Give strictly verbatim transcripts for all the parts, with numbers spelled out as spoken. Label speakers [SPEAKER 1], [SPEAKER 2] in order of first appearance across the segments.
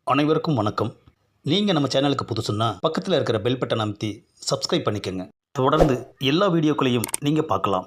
[SPEAKER 1] அனைவருக்கும் வணக்கம். நீங்கள் நம்ம சேனலுக்கு புதுசுன்னா பக்கத்தில் இருக்கிற பெல் பட்டன் அமைத்தி சப்ஸ்கிரைப் பண்ணிக்கோங்க. தொடர்ந்து எல்லா வீடியோக்களையும் நீங்கள் பார்க்கலாம்.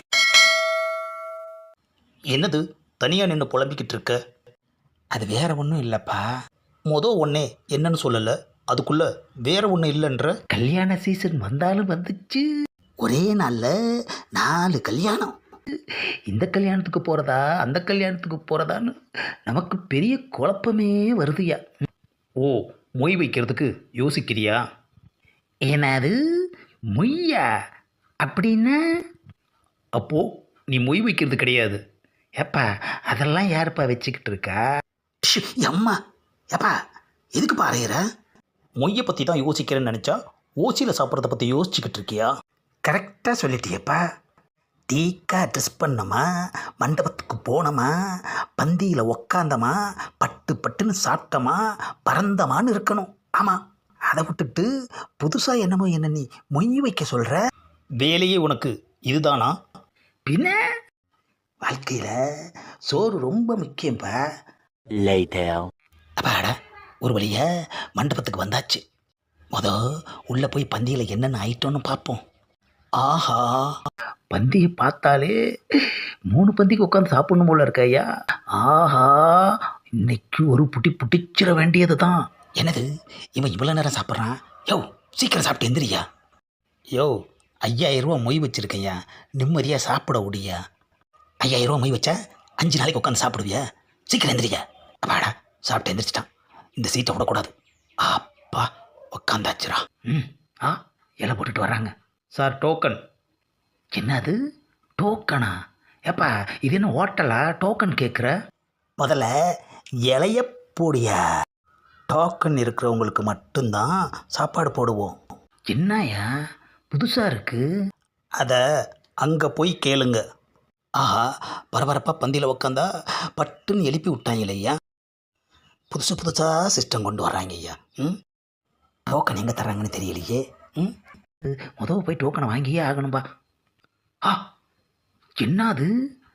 [SPEAKER 1] என்னது தனியாக நின்று புலம்பிக்கிட்டு இருக்க?
[SPEAKER 2] அது வேற ஒன்றும் இல்லைப்பா.
[SPEAKER 1] மொதல் ஒன்றே என்னன்னு சொல்லலை, அதுக்குள்ளே வேற ஒன்று இல்லைன்ற.
[SPEAKER 2] கல்யாண சீசன் வந்தாலும் வந்துச்சு.
[SPEAKER 1] ஒரே நாளில் நாலு கல்யாணம்.
[SPEAKER 2] இந்த கல்யாணத்துக்கு போகிறதா அந்த கல்யாணத்துக்கு போகிறதான்னு நமக்கு பெரிய குழப்பமே வருதுயா.
[SPEAKER 1] ஓ, மொய் வைக்கிறதுக்கு யோசிக்கிறியா?
[SPEAKER 2] என்னது மொய்யா? அப்படின்னா
[SPEAKER 1] அப்போது நீ மொய் வைக்கிறது கிடையாது.
[SPEAKER 2] ஏப்பா அதெல்லாம் யாருப்பா வச்சுக்கிட்டு இருக்கா?
[SPEAKER 1] ஷ், அம்மா ஏப்பா எதுக்கு பாறையிற? மொய்யை பற்றி தான் யோசிக்கிறேன்னு நினச்சா ஓசியில் சாப்பிட்றத பற்றி யோசிச்சுக்கிட்டு இருக்கியா?
[SPEAKER 2] கரெக்டாக சொல்லிட்டியப்பா. டீக்கா ட்ரெஸ் பண்ணோமா, மண்டபத்துக்கு போனோமா, பந்தியில் உக்காந்தோமா, பட்டு பட்டுன்னு சாப்பிட்டோமா, பறந்தமான்னு இருக்கணும். ஆமாம், அதை விட்டுட்டு புதுசாக என்னமோ என்ன நீ மொய் வைக்க சொல்கிற?
[SPEAKER 1] வேலையே உனக்கு இதுதானா?
[SPEAKER 2] பின்ன வாழ்க்கையில் சோறு ரொம்ப முக்கியம்ப்பா. அப்பாடா, ஒரு வழியா மண்டபத்துக்கு வந்தாச்சு. மொதல் உள்ளே போய் பந்தியில் என்னென்ன ஐட்டம்னு பார்ப்போம்.
[SPEAKER 1] ஆஹா,
[SPEAKER 2] பந்தியை பார்த்தாலே மூணு பந்திக்கு உட்காந்து சாப்பிடணும் போல இருக்க ஐயா. ஆஹா, இன்னைக்கு ஒரு புட்டி புட்டிச்சிட வேண்டியது தான்.
[SPEAKER 1] என்னது இவன் இவ்வளோ நேரம் சாப்பிட்றான்? யோ சீக்கிரம் சாப்பிட்டு எந்திரியா. யோ ஐயாயிரம் ரூபா மொய் வச்சுருக்கையா, நிம்மதியாக சாப்பிட முடியா? ஐயாயிரம் ரூபா மொய் வச்சா அஞ்சு நாளைக்கு உட்காந்து சாப்பிடுவியா? சீக்கிரம் எந்திரியா. அப்பாடா சாப்பிட்டு எந்திரிச்சிட்டான். இந்த சீட்டை விடக்கூடாது. அப்பா உட்காந்தாச்சுரா.
[SPEAKER 2] ம் ஆ இலை போட்டுட்டு வர்றாங்க.
[SPEAKER 1] Sir token.
[SPEAKER 2] என்னது டோக்கனா? ஏப்பா இது என்ன ஹோட்டலா டோக்கன் கேட்குற?
[SPEAKER 1] முதல்ல இலைய போடியா. டோக்கன் இருக்கிறவங்களுக்கு மட்டும்தான் சாப்பாடு போடுவோம்.
[SPEAKER 2] என்னையா புதுசாக இருக்குது?
[SPEAKER 1] அதை அங்கே போய் கேளுங்க. ஆஹா, பரபரப்பாக பந்தியில் உக்காந்தா பட்டுன்னு எழுப்பி விட்டாங்க இல்லையா. புதுசு புதுசாக சிஸ்டம் கொண்டு வர்றாங்க ஐயா. ம் டோக்கன் எங்கே தர்றாங்கன்னு தெரியலையே. ம்
[SPEAKER 2] முதல் போய் டோக்கனை வாங்கியே ஆகணும்பா. ஆ என்னது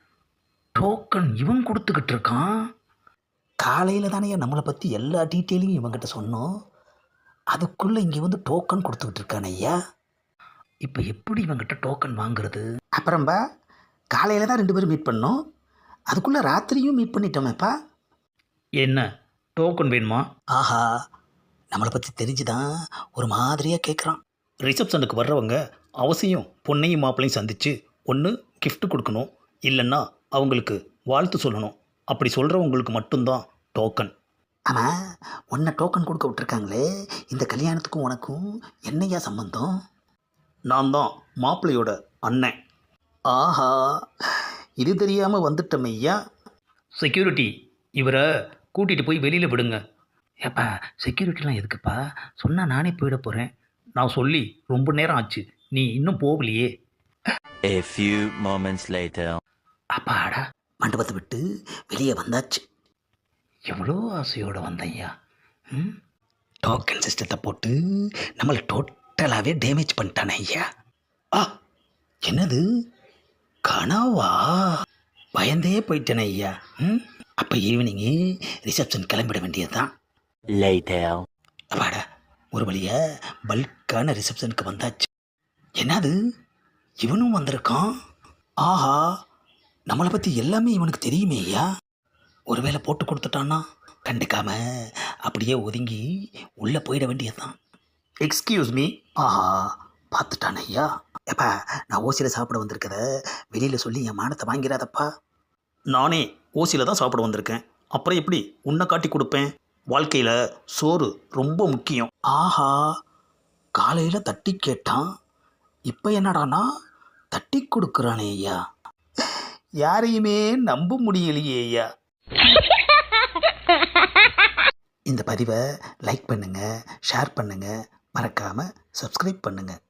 [SPEAKER 2] டோக்கன் இவன் கொடுத்துக்கிட்டு இருக்கான்?
[SPEAKER 1] காலையில் தானே நம்மளை பற்றி எல்லா டீட்டெயிலையும் இவங்கிட்ட சொன்னோம். அதுக்குள்ளே இங்கே வந்து டோக்கன் கொடுத்துக்கிட்டு இருக்கான ஐயா.
[SPEAKER 2] இப்போ எப்படி இவங்கிட்ட டோக்கன் வாங்குறது?
[SPEAKER 1] அப்புறம்பா காலையில் தான் ரெண்டு பேரும் மீட் பண்ணோம், அதுக்குள்ளே ராத்திரியும் மீட் பண்ணிட்டோமேப்பா.
[SPEAKER 2] என்ன டோக்கன் வேணுமா?
[SPEAKER 1] ஆஹா, நம்மளை பற்றி தெரிஞ்சுதான் ஒரு மாதிரியாக கேட்குறான். ரிசப்ஷனுக்கு வர்றவங்க அவசியம் பொண்ணையும் மாப்பிள்ளையும் சந்தித்து ஒன்று gift கொடுக்கணும், இல்லைன்னா அவங்களுக்கு வாழ்த்து சொல்லணும். அப்படி சொல்கிறவங்களுக்கு மட்டும்தான் டோக்கன். ஆமாம், உன்னை டோக்கன் கொடுக்க விட்டுருக்காங்களே, இந்த கல்யாணத்துக்கும் உனக்கும் என்னையா சம்பந்தம்? நான் தான் மாப்பிள்ளையோட அண்ணன். ஆஹா, இது தெரியாமல் வந்துட்டோம் ஐயா.
[SPEAKER 2] செக்யூரிட்டி, இவரை கூட்டிகிட்டு போய் வெளியில் விடுங்க. ஏப்பா செக்யூரிட்டிலாம் எதுக்குப்பா? சொன்னால் நானே போயிட போகிறேன்.
[SPEAKER 1] நான் சொல்லி ரொம்ப நேரம் ஆச்சு, நீ இன்னும் போகலையே.
[SPEAKER 3] A few moments later.
[SPEAKER 1] அப்பாடா, மண்டபத்தை விட்டு வெளியே வந்தாச்சு.
[SPEAKER 2] எவ்வளோ ஆசையோடு வந்தையா. ம்
[SPEAKER 1] டோக்கன் சிஸ்டத்தை போட்டு நம்மளை டோட்டலாகவே டேமேஜ் பண்ணிட்டானே ஐயா. ஆ என்னது கனவா? பயந்தே போயிட்டேனே ஐயா. ம் அப்போ ஈவினிங்கு ரிசப்ஷன் கிளம்பிட வேண்டியது தான்.
[SPEAKER 3] Later.
[SPEAKER 1] அப்பாடா, ஒரு வழியா பல்கான ரிசப்ஷனுக்கு வந்தாச்சு. என்னது இவனும் வந்திருக்கான்? ஆஹா, நம்மளை பற்றி எல்லாமே இவனுக்கு தெரியுமே ஐயா. ஒருவேளை போட்டு கொடுத்துட்டான்னா கண்டுக்காம அப்படியே ஒதுங்கி உள்ளே போயிட வேண்டியதுதான். Excuse me. ஆஹா, பார்த்துட்டான் ஐயா. எப்பா, நான் ஓசியில் சாப்பிட வந்திருக்கத வெளியில் சொல்லி என் மானத்தை வாங்கிறாதப்பா. நானே ஓசியில் தான் சாப்பிட வந்திருக்கேன், அப்புறம் எப்படி உன்னை காட்டி கொடுப்பேன்? வாழ்க்கையில் சோறு ரொம்ப முக்கியம். ஆஹா, காலையில் தட்டி கேட்டான், இப்போ என்னடானா தட்டி கொடுக்குறானே ஐயா. யாரையுமே நம்ப முடியலையே ஐயா. இந்த பதிவை லைக் பண்ணுங்கள், ஷேர் பண்ணுங்கள், மறக்காமல் சப்ஸ்கிரைப் பண்ணுங்கள்.